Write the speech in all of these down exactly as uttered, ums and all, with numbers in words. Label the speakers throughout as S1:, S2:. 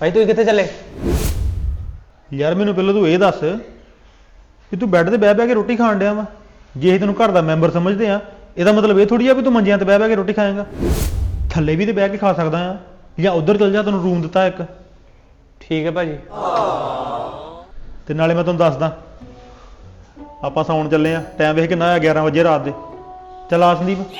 S1: भाई तू कितने चले
S2: यार मैनू पहले तू ये दस कि तू बैड ते बह बह के रोटी खाण डिया वा जे तेन घर का मैंबर समझते हैं ਇਹਦਾ मतलब ये थोड़ी है भी तू मंजियां ते बह बह के रोटी खाएगा थल्ले भी तो बह के खा सकदा आ या उधर चल जा तेन रूम दिता एक
S1: ठीक है भाजी
S2: ते नाले मैं तुहानू दसदा आपां सौण चले आ टाइम वेख किन्ना होया ग्यारह बजे रात दे चल आ संदीप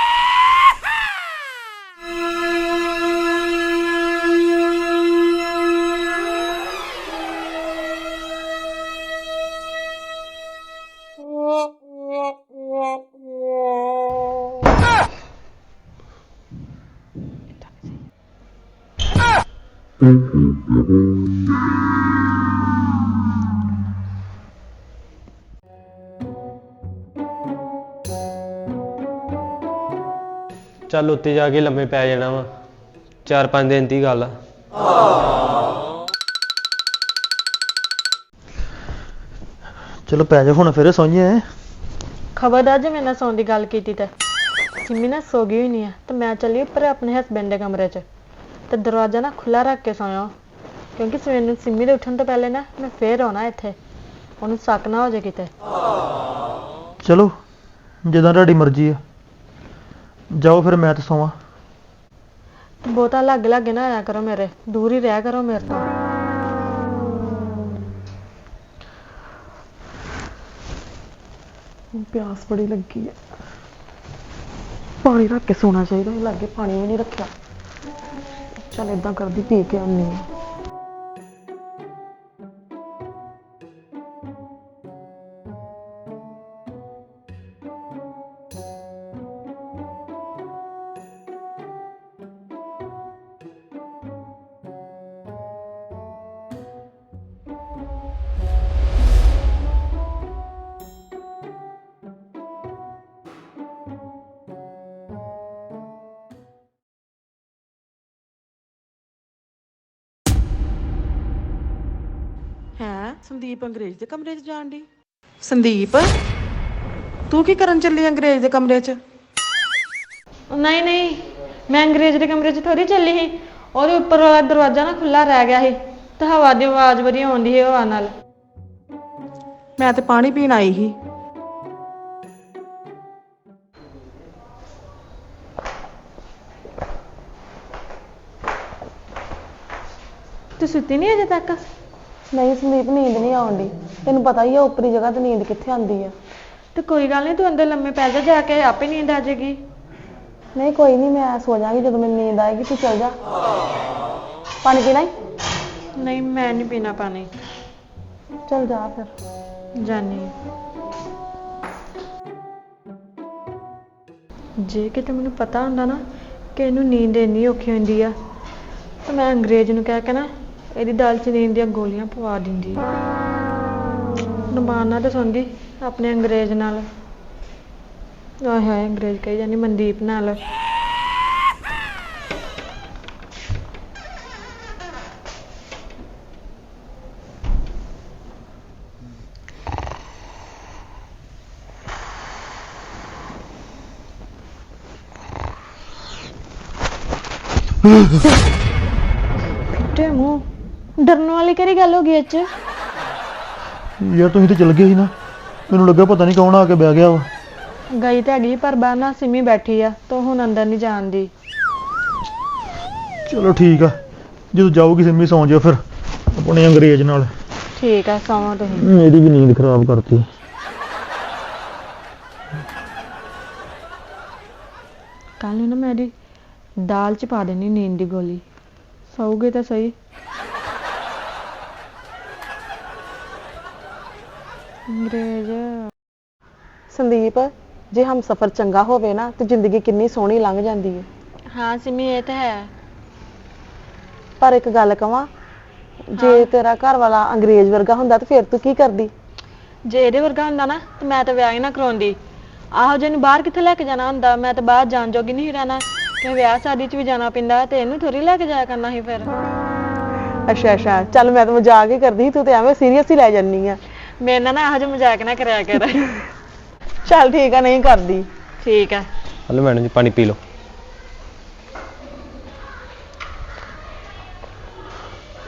S1: चल उत्ते जाके लम्मे पै जाना वा चार पांच दिन की गल आ
S2: चलो पै जा हुण फिर सोइए
S3: खबरदार जे मेरे नाल सौण दी गल कीती ते सिमी ना सो गई होनी है तो मैं चली उपर अपने हसबैंड के कमरे च तो दरवाजा ना खुला रख के सोया क्योंकि सवेर सिमी दे उठण तो पहले ना मैं फिर आना इत्थे उहनूं शक ना हो जाए किते
S2: चलो जिद्दां तुहाडी मर्जी है जाओ फिर मैं तो सोवां
S3: बहुता लागे लागे ना आया करो मेरे दूर ही रहा करो मेरे तो प्यास बड़ी लगी है पानी रख के सोना चाहिए लागे पानी भी नहीं रखा चल इदा करदी पी के आनी
S4: है संदीप अंग्रेज दे कमरे च जान दी संदीप तू की करन चली अंग्रेज दे कमरे च
S3: नहीं नहीं मैं अंग्रेज के कमरे च थोड़ी चली ही और ऊपर वाला दरवाजा ना खुला रह गया ही तो हवा की आवाज बड़ी आउंदी है हवा नाल
S4: मैं ते पानी पीन आई ही
S3: तू सुती नहीं अजे तक
S5: नहीं संदीप नींद नहीं आउंदी तेन पता ही है उपरी जगह तो नींद कित्थे आंदी है
S3: तो कोई गल नहीं तू अंदर लम्मे पै जा जाके आपे नींद आ जाएगी
S5: नहीं कोई नहीं मैं सो जाऊंगी जब मैं नींद आएगी तू चल जा पानी पीना ही
S3: नहीं मैं नहीं पीना पानी
S5: चल जा फिर
S3: जानी जे किते मैनू पता हुंदा ना कि इनू नींद इन्नी औखी हुंदी आ तो मैं अंग्रेज नू कह के ना ਇਹਦੀ ਦਾਲ ਚ ਨੀਂਦ ਦੀਆਂ ਗੋਲੀਆਂ ਪਵਾ ਦਿੰਦੀ ਨਮਾਨਾ ਤੇ ਸੁਣਦੀ ਆਪਣੇ ਅੰਗਰੇਜ਼ ਨਾਲ ਆਏ ਹਾਏ ਅੰਗਰੇਜ਼ ਕਹੀ ਜਾਨੀ ਮਨਦੀਪ ਨਾਲ ਫਿੱਟੇ ਮੂੰਹ डरने वाली केड़ी गल हो गई अच
S2: यार तुसीं तो चल गए ही ना मैनूं लग्गा पता नहीं कौन आके बह गया वा
S3: गई तो हैगी पर बाहर ना सिमी बैठी आ तो हुण अंदर नहीं जान दी
S2: चलो ठीक है जो जाओगी सिमी सौ जाओ फिर अपने अंग्रेज नाल
S3: ठीक है सौं तुसीं
S2: मेरी भी नींद खराब करती
S3: कल ना मेरी दाल च पा देनी नींद की गोली सौगे तो सही अंग्रेज
S5: संदीप जे हम सफर चंगा होवे ना तो जिंदगी कितनी सोहनी लंघ जाती है
S3: हाँ सिमी ये तो है
S5: पर एक गल कवां जे
S3: हाँ।
S5: तेरा घर वाला अंग्रेज वर्गा हुंदा तो फिर तू की करदी
S3: जे इहदे वर्गा हुंदा ना तो मैं तो विआह ही ना कराउंदी आहो जे बाहर कित्थे लैके जाना हुंदा मैं तो बाहर जान जोगी नहीं रहना कि विआह शादी च भी जाना पैंदा ते इहनूं थोड़ी लैके जाया करना ही फिर
S5: अच्छा अच्छा चल मैं तो मजाक ही करदी तू तो एवें सीरियस ही लै जानी है
S3: मेरे नाल ना ਇਹੋ ਜਿਹਾ मजाक ना कराया कर
S5: चल ठीक है नहीं करदी
S3: ठीक है
S1: हेलो मैडम जी पानी पी लो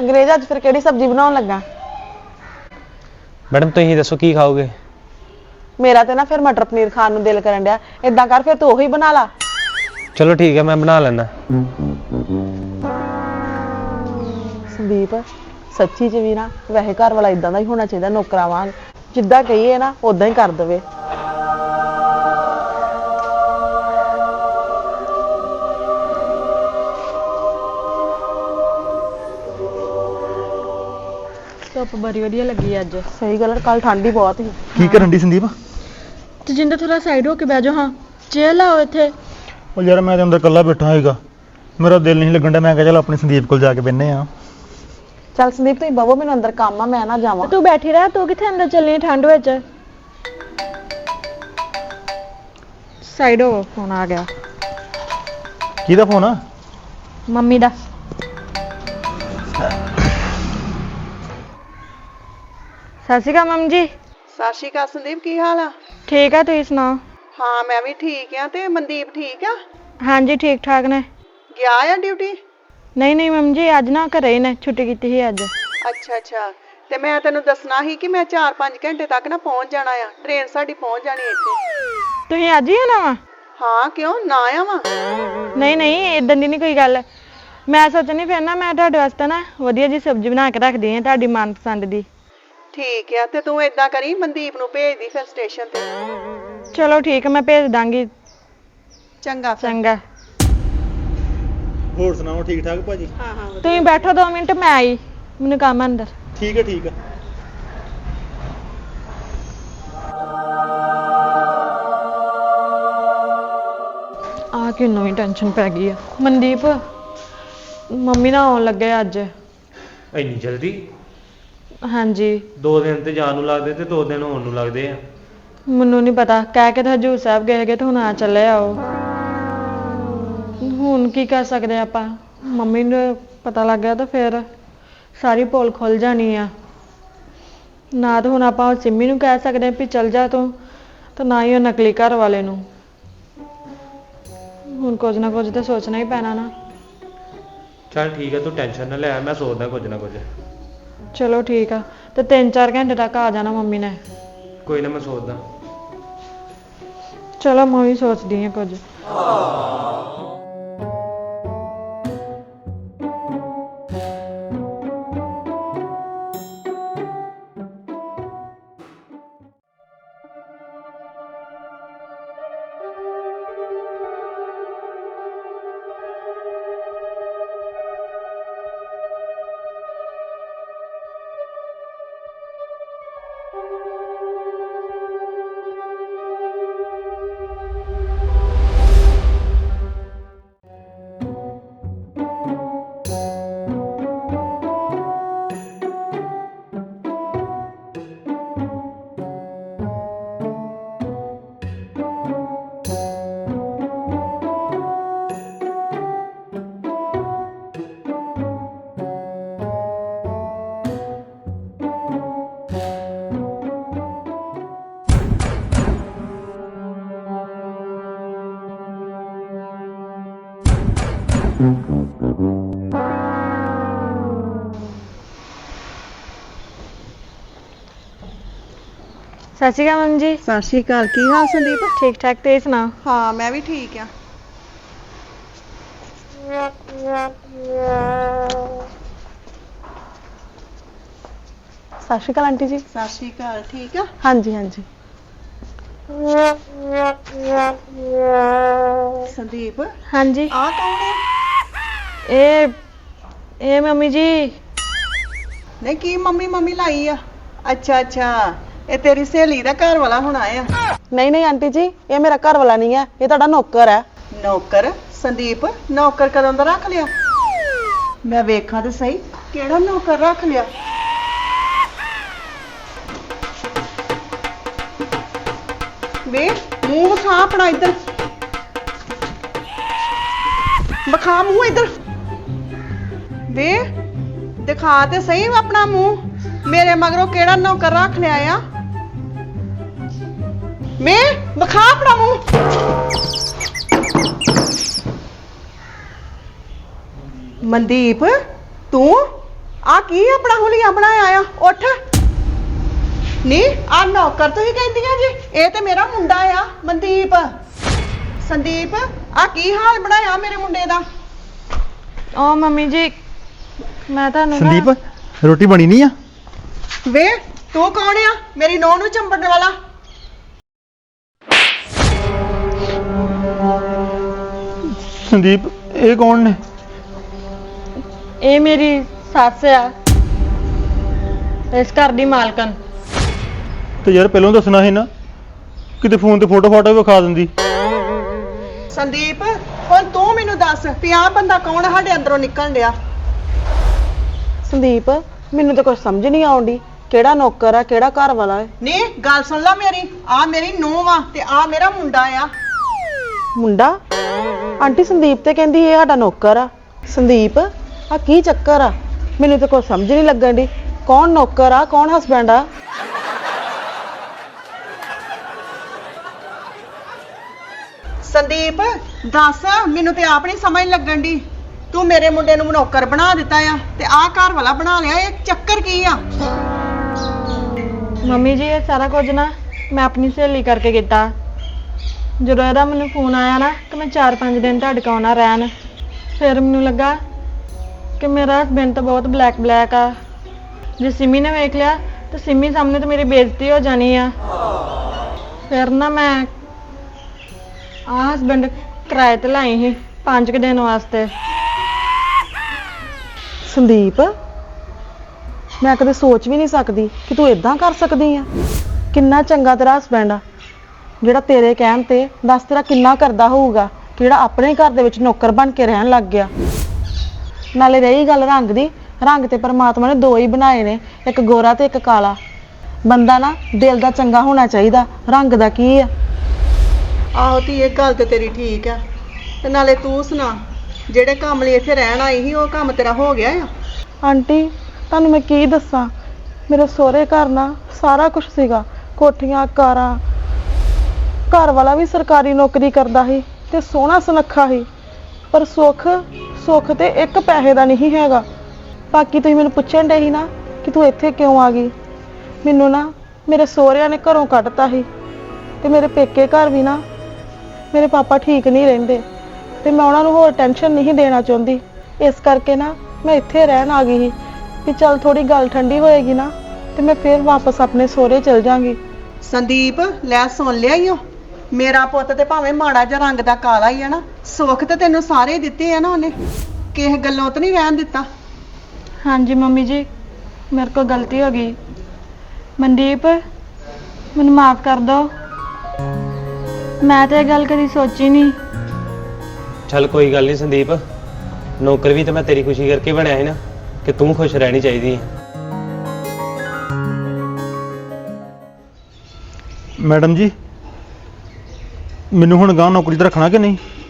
S5: ਅੰਗਰੇਜ਼ ਅੱਜ ਫਿਰ ਕਿਹੜੀ ਸਬਜ਼ੀ ਬਣਾਉਣ ਲੱਗਾ?
S1: ਮੈਡਮ ਤੁਸੀਂ ਦੱਸੋ ਕੀ ਖਾਓਗੇ?
S5: ਮੇਰਾ ਤੇ ਨਾ ਫਿਰ ਮਟਰ ਪਨੀਰ ਖਾਣ ਨੂੰ ਦਿਲ ਕਰਨ ਡਿਆ। ਇਦਾਂ ਕਰ ਫਿਰ ਤੂੰ ਉਹੀ ਬਣਾ ਲਾ।
S1: ਚਲੋ ਠੀਕ ਹੈ, ਮੈਂ ਬਣਾ ਲੈਣਾ।
S5: ਸੰਦੀਪ ਸੱਚੀ ਚ ਵੀ ਨਾ ਵੈਸੇ ਘਰ ਵਾਲਾ ਇਦਾਂ ਦਾ ਹੀ ਹੋਣਾ ਚਾਹੀਦਾ, ਨੌਕਰਾਂ ਵਾਂਗ ਜਿੱਦਾਂ ਕਹੀਏ ਨਾ ਉਦਾਂ ਹੀ ਕਰ ਦੇਵੇ।
S3: ਧੁੱਪ ਬੜੀ ਵਧੀਆ ਲੱਗੀ ਅੱਜ।
S5: ਸਹੀ ਗੱਲ, ਕੱਲ ਠੰਡ ਹੀ ਬਹੁਤ ਸੀ।
S2: ਕੀ ਕਰਨ ਦੀ ਸੰਦੀਪ?
S3: ਤੇ ਜਿੰਦਾ ਥੋੜਾ ਸਾਈਡ ਹੋ ਕੇ ਬਹਿ ਜਾਓ। ਹਾਂ ਚੇਅਰ ਲਾਓ ਇੱਥੇ।
S2: ਉਹ ਯਾਰ ਮੈਂ ਤੇ ਅੰਦਰ ਇਕੱਲਾ ਬੈਠਾ ਹੈਗਾ, ਮੇਰਾ ਦਿਲ ਨਹੀਂ ਲੱਗਣ ਡਿਆ। ਮੈਂ ਕਿਹਾ ਚੱਲ ਆਪਣੀ ਸੰਦੀਪ ਕੋਲ ਜਾ ਕੇ ਬਹਿਨੇ ਆ।
S5: ਚੱਲ ਸੰਦੀਪ ਤੁਸੀਂ ਬਵੋ, ਮੈਨੂੰ ਅੰਦਰ ਕੰਮ ਆ, ਮੈਂ ਨਾ ਜਾਵਾਂ।
S3: ਤੂੰ ਬੈਠੀ ਰਹਿ, ਤੂੰ ਕਿੱਥੇ ਅੰਦਰ ਚੱਲੀ ਠੰਡ ਵਿੱਚ? ਸਾਈਡ ਹੋ, ਫੋਨ ਆ ਗਿਆ।
S2: ਕਿਹਦਾ ਫੋਨ ਆ?
S3: ਮੰਮੀ ਦਾ। ਸਤਿ ਸ਼੍ਰੀ ਅਕਾਲ ਮੰਮੀ ਜੀ।
S4: ਸਤਿ ਸ਼੍ਰੀ ਅਕਾਲ ਸੰਦੀਪ, ਕੀ ਹਾਲ ਆ?
S3: ਠੀਕ ਆ, ਤੁਸੀਂ ਸੁਣਾਓ?
S4: ਹਾਂ ਮੈਂ ਵੀ ਠੀਕ ਆ। ਤੇ ਮਨਦੀਪ ਠੀਕ ਆ?
S3: ਹਾਂਜੀ ਠੀਕ ਠਾਕ ਨੇ।
S4: ਗਿਆ ਆ ਡਿਊਟੀ?
S3: ਨਹੀਂ ਨਹੀਂ ਮੰਮੀ ਜੀ, ਅੱਜ ਨਾ ਘਰੇ ਹੀ ਨੇ, ਛੁੱਟੀ ਕੀਤੀ ਸੀ ਅੱਜ।
S4: ਅੱਛਾ ਅੱਛਾ। ਤੇ ਮੈਂ ਤੈਨੂੰ ਦੱਸਣਾ ਸੀ ਕਿ ਮੈਂ ਚਾਰ ਪੰਜ ਘੰਟੇ ਤੱਕ ਨਾ ਪਹੁੰਚ ਜਾਣਾ ਆ। ਟ੍ਰੇਨ ਸਾਡੀ ਪਹੁੰਚ ਜਾਣੀ ਇੱਥੇ।
S3: ਤੁਸੀਂ ਅੱਜ ਹੀ ਆਉਣਾ ਵਾ?
S4: ਹਾਂ ਕਿਉਂ ਨਾ ਆਵਾਂ?
S3: ਨਹੀਂ ਨਹੀਂ ਇਦਾਂ ਦੀ ਨਹੀਂ ਕੋਈ ਗੱਲ। ਮੈਂ ਸੋਚਣੀ ਫਿਰ ਨਾ ਮੈਂ ਤੁਹਾਡੇ ਵਾਸਤੇ ਨਾ ਵਧੀਆ ਜੀ ਸਬਜ਼ੀ ਬਣਾ ਕੇ ਰੱਖਦੀ ਹਾਂ, ਤੁਹਾਡੀ ਮਨਪਸੰਦ ਦੀ।
S4: ਠੀਕ ਆ, ਤੇ ਤੂੰ ਏਦਾਂ ਕਰੀ ਮਨਦੀਪ ਨੂੰ ਭੇਜ ਦੀ ਫਿਰ ਸਟੇਸ਼ਨ ਤੇ।
S3: ਚਲੋ ਠੀਕ ਹੈ, ਮੈਂ ਭੇਜ ਦਾਂਗੀ।
S4: ਚੰਗਾ ਫਿਰ।
S3: ਚੰਗਾ।
S2: ਹੋਰ ਸੁਣਾਓ, ਠੀਕ ਠਾਕ ਭਾਜੀ?
S4: ਹਾਂ ਹਾਂ
S3: ਤੁਸੀਂ ਬੈਠੋ ਦੋ ਮਿੰਟ, ਮੈਂ ਆਈ, ਮੈਨੂੰ ਕੰਮ ਆ ਅੰਦਰ।
S2: ਠੀਕ ਹੈ ਠੀਕ ਹੈ।
S3: ਆ ਕਿ ਨਵੀਂ ਟੈਨਸ਼ਨ ਪੈ ਗਈ ਆ। ਮਨਦੀਪ ਮੰਮੀ ਨਾਲ ਆਉਣ ਲੱਗੇ ਅੱਜ।
S1: ਇੰਨੀ ਜਲਦੀ?
S3: ਹਾਂਜੀ।
S1: ਦੋ ਦਿਨ ਤੇ ਜਾਣ ਨੂੰ ਲੱਗਦੇ ਤੇ ਦੋ ਦਿਨ ਹੋਣ ਨੂੰ ਲੱਗਦੇ ਆ।
S3: ਮੈਨੂੰ ਨਹੀਂ ਪਤਾ, ਕਹਿ ਕੇ ਤਾਂ ਹਜੂਰ ਸਾਹਿਬ ਗਏ ਹੈਗੇ ਤੇ ਹੁਣ ਆ ਚੱਲੇ ਆਓ। ਹੁਣ ਕੀ ਕਰ ਸਕਦੇ ਆਪਾਂ? ਮੰਮੀ ਨੂੰ ਪਤਾ ਲੱਗ ਗਿਆ ਤਾਂ ਫਿਰ ਸਾਰੀ ਪੋਲ ਖੁੱਲ ਜਾਣੀ ਆ। ਨਾ ਤਾਂ ਹੁਣ ਆਪਾਂ ਸਿੰਮੀ ਨੂੰ ਕਹਿ ਸਕਦੇ ਵੀ ਚੱਲ ਜਾ ਤੂੰ, ਤੇ ਨਾ ਹੀ ਉਹ ਨਕਲੀ ਘਰ ਵਾਲੇ ਨੂੰ। ਹੁਣ ਕੁਝ ਨਾ ਕੁਝ ਤਾਂ ਸੋਚਣਾ ਹੀ ਪੈਣਾ ਨਾ।
S1: ਚੱਲ ਠੀਕ ਹੈ, ਤੂੰ ਟੈਨਸ਼ਨ ਨਾ ਲੈ, ਮੈਂ ਸੋਚਦਾ ਕੁਝ ਨਾ ਕੁਝ।
S3: ਚਲੋ ਠੀਕ ਆ, ਤੇ ਤਿੰਨ ਚਾਰ ਘੰਟੇ ਤੱਕ ਆ ਜਾਣਾ ਮੰਮੀ ਨੇ।
S1: ਕੋਈ ਨਾ, ਮੈਂ ਸੋਚਦਾ।
S3: ਚਲੋ ਮੈਂ ਵੀ ਸੋਚਦੀ ਹਾਂ ਕੁਝ। ਸਤਿ ਸ਼੍ਰੀ ਅਕਾਲ ਮੰਮੀ ਜੀ।
S4: ਸਤਿ ਸ਼੍ਰੀ ਅਕਾਲ। ਕੀ ਹਾਲ ਸੰਦੀਪ?
S3: ਠੀਕ ਠਾਕ, ਤੁਸੀਂ ਸੁਣਾਓ?
S4: ਹਾਂ ਮੈਂ ਵੀ ਠੀਕ ਆ।
S5: ਸਤਿ ਸ਼੍ਰੀ ਅਕਾਲ ਆਂਟੀ ਜੀ।
S4: ਸਤਿ ਸ਼੍ਰੀ ਅਕਾਲ। ਠੀਕ ਆ?
S5: ਹਾਂਜੀ ਹਾਂਜੀ।
S4: ਸੰਦੀਪ
S3: ਹਾਂਜੀ।
S4: ਆ ਕੌਣ ਹੈ?
S3: ਇਹ ਇਹ ਮੰਮੀ ਜੀ।
S4: ਨਹੀਂ ਕੀ ਮੰਮੀ ਮੰਮੀ ਲਾਈ ਆ? ਅੱਛਾ ਅੱਛਾ, ਇਹ ਤੇਰੀ ਸਹੇਲੀ ਦਾ ਘਰ ਵਾਲਾ ਹੁਣ ਆਇਆ?
S5: ਨਹੀਂ ਨਹੀਂ ਆਂਟੀ ਜੀ, ਇਹ ਮੇਰਾ ਘਰ ਵਾਲਾ ਨਹੀਂ ਹੈ, ਇਹ ਤੁਹਾਡਾ ਨੌਕਰ ਹੈ।
S4: ਨੌਕਰ? ਸੰਦੀਪ ਨੌਕਰ ਕਦੋਂ ਦਾ ਰੱਖ ਲਿਆ? ਮੈਂ ਵੇਖਾਂ ਤੇ ਸਹੀ, ਕਿਹੜਾ ਨੌਕਰ ਰੱਖ ਲਿਆ? ਵੇ ਮੂੰਹ ਵਿਖਾ ਆਪਣਾ ਇੱਧਰ, ਵਿਖਾ ਮੂੰਹ ਇੱਧਰ। ਵੇ ਦਿਖਾ ਤੇ ਸਹੀ ਆਪਣਾ ਮੂੰਹ। ਮੇਰੇ ਮਗਰੋਂ ਕਿਹੜਾ ਨੌਕਰ ਰੱਖ ਲਿਆ ਆ? ਮੈਂ ਵਿਖਾ ਆਪਣਾ ਮੂੰਹ। ਮਨਦੀਪ ਤੂੰ ਆ ਕੀ ਆਪਣਾ ਹੁਲੀਆ ਬਣਾਇਆ ਆ? ਉੱਠ ਨਹੀਂ, ਆ ਨੌਕਰ ਤੁਸੀਂ ਕਹਿੰਦੀਆਂ ਜੀ, ਇਹ ਤੇ ਮੇਰਾ ਮੁੰਡਾ ਆ ਮਨਦੀਪ। ਸੰਦੀਪ, ਆ ਕੀ ਹਾਲ ਬਣਾਇਆ ਮੇਰੇ ਮੁੰਡੇ ਦਾ?
S3: ਓ ਮੰਮੀ ਜੀ, ਮੈਂ ਤੁਹਾਨੂੰ ਨਾ-
S2: ਸੰਦੀਪ ਰੋਟੀ ਬਣੀ ਨਹੀਂ ਆ?
S4: ਵੇ ਤੂੰ ਕੌਣ ਆ ਮੇਰੀ ਨੂੰਹ ਨੂੰ ਚੰਬੜਨ ਵਾਲਾ?
S2: ਸੰਦੀਪ ਇਹ ਕੌਣ ਨੇ?
S3: ਇਹ ਮੇਰੀ ਸੱਸ ਆ, ਇਸ ਘਰ ਦੀ ਮਾਲਕਨ।
S2: ਤੇ ਯਾਰ ਪਹਿਲਾਂ ਦੱਸਣਾ ਸੀ ਨਾ, ਕਿਤੇ ਫੋਨ ਤੇ ਫੋਟੋ ਫਾਟੋ ਵਿਖਾ ਦਿੰਦੀ।
S4: ਸੰਦੀਪ, ਹੁਣ ਤੂੰ ਮੈਨੂੰ ਦੱਸ ਵੀ ਆਹ ਬੰਦਾ ਕੌਣ ਆ ਸਾਡੇ ਅੰਦਰੋਂ ਨਿਕਲਣ ਡਿਆ?
S5: ਸੰਦੀਪ ਮੈਨੂੰ ਤਾਂ ਕੁਝ ਸਮਝ ਨਹੀਂ ਆਉਂਦੀ, ਕਿਹੜਾ ਨੌਕਰ ਆ ਕਿਹੜਾ ਘਰ ਵਾਲਾ ਹੈ?
S4: ਨਹੀਂ, ਗੱਲ ਸੁਣ ਲੈ ਮੇਰੀ, ਆ ਮੇਰੀ ਨੂੰਹ ਵਾ ਤੇ ਆ ਮੇਰਾ ਮੁੰਡਾ ਆ।
S5: ਮੁੰਡਾ? ਆਂਟੀ ਸੰਦੀਪ ਤੇ ਕਹਿੰਦੀ ਇਹ ਸਾਡਾ ਨੌਕਰ ਆ। ਸੰਦੀਪ ਆ ਕੀ ਚੱਕਰ ਆ? ਮੈਨੂੰ ਤਾਂ ਕੁਝ ਸਮਝ ਨਹੀਂ ਲੱਗਣ ਦੀ, ਕੌਣ ਨੌਕਰ ਆ ਕੌਣ ਹਸਬੈਂਡ ਆ?
S4: ਸੰਦੀਪ ਦੱਸ, ਮੈਨੂੰ ਤੇ ਆਪ ਨਹੀਂ ਸਮਝ ਲੱਗਣ ਦੀ। ਤੂੰ ਮੇਰੇ ਮੁੰਡੇ ਨੂੰ ਨੌਕਰ ਬਣਾ ਦਿੱਤਾ ਆ ਤੇ ਆਹ ਘਰ ਵਾਲਾ ਬਣਾ ਲਿਆ, ਇਹ ਚੱਕਰ ਕੀ ਆ?
S3: ਮੰਮੀ ਜੀ, ਇਹ ਸਾਰਾ ਕੁਝ ਨਾ ਮੈਂ ਆਪਣੀ ਸਹੇਲੀ ਕਰਕੇ ਕੀਤਾ। ਜਦੋਂ ਇਹਦਾ ਮੈਨੂੰ ਫੋਨ ਆਇਆ ਨਾ ਕਿ ਮੈਂ ਚਾਰ ਪੰਜ ਦਿਨ ਤੁਹਾਡੇ ਕੋਲ ਆਉਣਾ ਰਹਿਣ, ਫਿਰ ਮੈਨੂੰ ਲੱਗਾ ਕਿ ਮੇਰਾ ਹਸਬੈਂਡ ਤਾਂ ਬਹੁਤ ਬਲੈਕ ਬਲੈਕ ਆ। ਜੇ ਸਿੰਮੀ ਨੇ ਵੇਖ ਲਿਆ ਤਾਂ ਸਿੰਮੀ ਸਾਹਮਣੇ ਤਾਂ ਮੇਰੀ ਬੇਇੱਜ਼ਤੀ ਹੋ ਜਾਣੀ ਆ। ਫਿਰ ਨਾ ਮੈਂ ਆਹ ਹਸਬੈਂਡ ਕਿਰਾਏ ਤੇ ਲਾਈ ਸੀ ਪੰਜ ਕੁ ਦਿਨ ਵਾਸਤੇ।
S5: ਸੰਦੀਪ ਮੈਂ ਕਦੇ ਸੋਚ ਵੀ ਨਹੀਂ ਸਕਦੀ ਕਿ ਤੂੰ ਇਦਾਂ ਕਰ ਸਕਦੀ ਆ। ਕਿੰਨਾ ਚੰਗਾ ਤੇਰਾ ਹਸਬੈਂਡ ਆ, ਜਿਹੜਾ ਤੇਰੇ ਕਹਿਣ ਤੇ ਦੱਸ ਤੇਰਾ ਕਿੰਨਾ ਕਰਦਾ ਹੋਊਗਾ, ਜਿਹੜਾ ਆਪਣੇ ਘਰ ਦੇ ਵਿੱਚ ਨੌਕਰ ਬਣ ਕੇ ਰਹਿਣ ਲੱਗ ਗਿਆ। ਨਾਲੇ ਰਹੀ ਗੱਲ ਰੰਗ ਦੀ, ਰੰਗ ਤੇ ਪਰਮਾਤਮਾ ਨੇ ਦੋ ਹੀ ਬਣਾਏ ਨੇ, ਇੱਕ ਗੋਰਾ ਤੇ ਇੱਕ ਕਾਲਾ। ਬੰਦਾ ਨਾ ਦਿਲ ਦਾ ਚੰਗਾ ਹੋਣਾ ਚਾਹੀਦਾ, ਰੰਗ ਦਾ ਕੀ ਆ।
S4: ਆਹੋ ਤੀ, ਇਹ ਗੱਲ ਤੇ ਤੇਰੀ ਠੀਕ ਆ। ਤੇ ਨਾਲੇ ਤੂੰ ਸੁਣਾ, ਜਿਹੜੇ ਕੰਮ ਲਈ ਇੱਥੇ ਰਹਿਣ ਆਈ ਸੀ ਉਹ ਕੰਮ ਤੇਰਾ ਹੋ ਗਿਆ ਆ?
S5: ਆਂਟੀ ਤੁਹਾਨੂੰ ਮੈਂ ਕੀ ਦੱਸਾਂ, ਮੇਰੇ ਸਹੁਰੇ ਘਰ ਨਾ ਸਾਰਾ ਕੁਝ ਸੀਗਾ, ਕੋਠੀਆਂ ਕਾਰਾਂ, ਘਰ ਵਾਲਾ ਵੀ ਸਰਕਾਰੀ ਨੌਕਰੀ ਕਰਦਾ ਸੀ ਤੇ ਸੋਹਣਾ ਸੁਨੱਖਾ ਸੀ, ਪਰ ਸੁੱਖ ਸੁੱਖ ਤੇ ਇੱਕ ਪੈਸੇ ਦਾ ਨਹੀਂ ਹੈਗਾ। ਬਾਕੀ ਤੁਸੀਂ ਮੈਨੂੰ ਪੁੱਛਣ ਡੇ ਸੀ ਨਾ ਕਿ ਤੂੰ ਇੱਥੇ ਕਿਉਂ ਆ ਗਈ, ਮੈਨੂੰ ਨਾ ਮੇਰੇ ਸਹੁਰਿਆਂ ਨੇ ਘਰੋਂ ਕੱਢਤਾ ਸੀ ਤੇ ਮੇਰੇ ਪੇਕੇ ਘਰ ਵੀ ਨਾ ਮੇਰੇ ਪਾਪਾ ਠੀਕ ਨਹੀਂ ਰਹਿੰਦੇ ਤੇ ਮੈਂ ਉਹਨਾਂ ਨੂੰ ਹੋਰ ਟੈਨਸ਼ਨ ਨਹੀਂ ਦੇਣਾ ਚਾਹੁੰਦੀ। ਇਸ ਕਰਕੇ ਨਾ ਮੈਂ ਇੱਥੇ ਰਹਿਣ ਆ ਗਈ ਸੀ ਵੀ ਚੱਲ ਥੋੜੀ ਗੱਲ ਠੰਡੀ ਹੋਏਗੀ ਨਾ ਤੇ ਮੈਂ ਫੇਰ ਵਾਪਸ ਆਪਣੇ ਸਹੁਰੇ ਚਲ ਜਾਾਂਗੀ।
S4: ਸੰਦੀਪ ਲੈ ਸੁਣ ਲਿਆ ਈ ਓ, ਮੇਰਾ ਪੁੱਤ ਤੇ ਭਾਵੇਂ ਮਾੜਾ ਜਿਹਾ ਰੰਗ ਦਾ ਕਾਲਾ ਹੀ ਆ ਨਾ, ਸੁੱਖ ਤੇ ਤੈਨੂੰ ਸਾਰੇ ਦਿੱਤੇ ਆ ਨਾ ਉਹਨੇ, ਕਿਸੇ ਗੱਲੋਂ ਤਾਂ ਨਹੀਂ ਰਹਿਣ ਦਿੱਤਾ।
S3: ਹਾਂਜੀ ਮੰਮੀ ਜੀ, ਮੇਰੇ ਕੋਲ ਗਲਤੀ ਹੋ ਗਈ। ਮਨਦੀਪ ਮੈਨੂੰ ਮਾਫ ਕਰ ਦਿਓ, ਮੈਂ ਤਾਂ ਇਹ ਗੱਲ ਕਦੀ ਸੋਚੀ ਨਹੀਂ।
S1: ਚੱਲ ਕੋਈ ਗੱਲ ਨਹੀਂ ਸੰਦੀਪ, ਨੌਕਰ ਵੀ ਤਾਂ ਮੈਂ ਤੇਰੀ ਖੁਸ਼ੀ ਕਰਕੇ ਬਣਿਆ ਸੀ ਨਾ, ਕਿ ਤੂੰ ਖੁਸ਼ ਰਹਿਣੀ ਚਾਹੀਦੀ ਹੈ।
S2: ਮੈਡਮ ਜੀ ਮੈਨੂੰ ਹੁਣ ਗਾਂ ਨੌਕਰੀ ਤੇ ਰੱਖਣਾ ਕਿ ਨਹੀਂ?